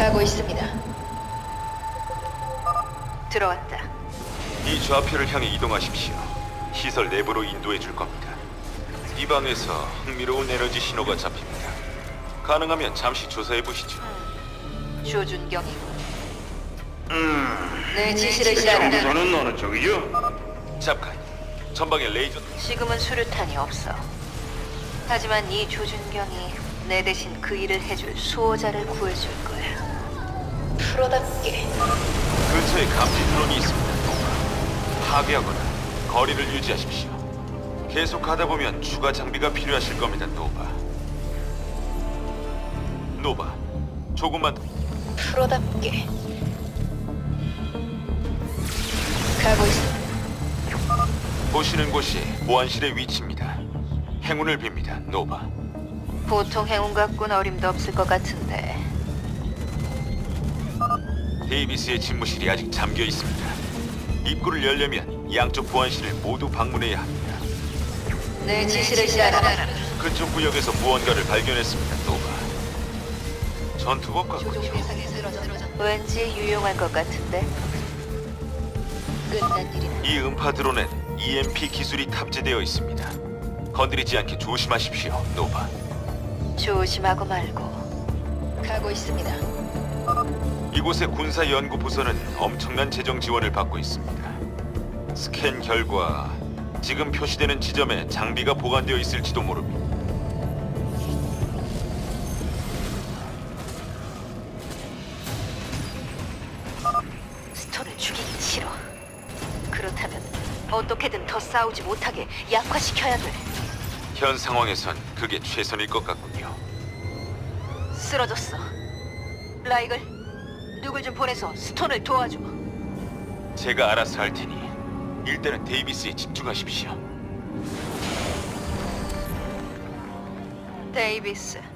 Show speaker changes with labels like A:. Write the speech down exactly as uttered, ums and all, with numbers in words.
A: 가고 있습니다. 들어왔다.
B: 이 좌표를 향해 이동하십시오. 시설 내부로 인도해 줄 겁니다. 이 방에서 흥미로운 에너지 신호가 잡힙니다. 가능하면 잠시 조사해 보시죠.
A: 조준경이군.
C: 음,
A: 내 지시를 따르라.
C: 정보는 어느 쪽이요?
B: 잠깐, 전방에 레이저.
A: 지금은 수류탄이 없어. 하지만 이 조준경이 내 대신 그 일을 해줄 수호자를 구해줄 거야. 프로답게.
B: 근처에 감지 드론이 있습니다. 파괴하거나 거리를 유지하십시오. 계속 가다 보면 추가 장비가 필요하실 겁니다, 노바. 노바, 조금만 더.
A: 프로답게. 가고 있어.
B: 보시는 곳이 보안실의 위치입니다. 행운을 빕니다, 노바.
A: 보통 행운 갖고는 어림도 없을 것 같은데.
B: 데이비스의 집무실이 아직 잠겨 있습니다. 입구를 열려면 양쪽 보안실을 모두 방문해야 합니다.
A: 내 지시를 따르라.
B: 그쪽 구역에서 무언가를 발견했습니다, 노바. 전투복 같군요.
A: 왠지 유용할 것 같은데. 끝난 일이다.
B: 이 음파 드론엔 이엠피 기술이 탑재되어 있습니다. 건드리지 않게 조심하십시오, 노바.
A: 조심하고 말고. 가고 있습니다.
B: 이곳의 군사 연구 부서는 엄청난 재정 지원을 받고 있습니다. 스캔 결과 지금 표시되는 지점에 장비가 보관되어 있을지도 모릅니다.
A: 스톤을 죽이긴 싫어. 그렇다면 어떻게든 더 싸우지 못하게 약화시켜야 돼.
B: 현 상황에선 그게 최선일 것 같군요.
A: 쓰러졌어. 라이글, 누굴 좀 보내서 스톤을 도와줘.
B: 제가 알아서 할 테니 일단은 데이비스에 집중하십시오.
A: 데이비스,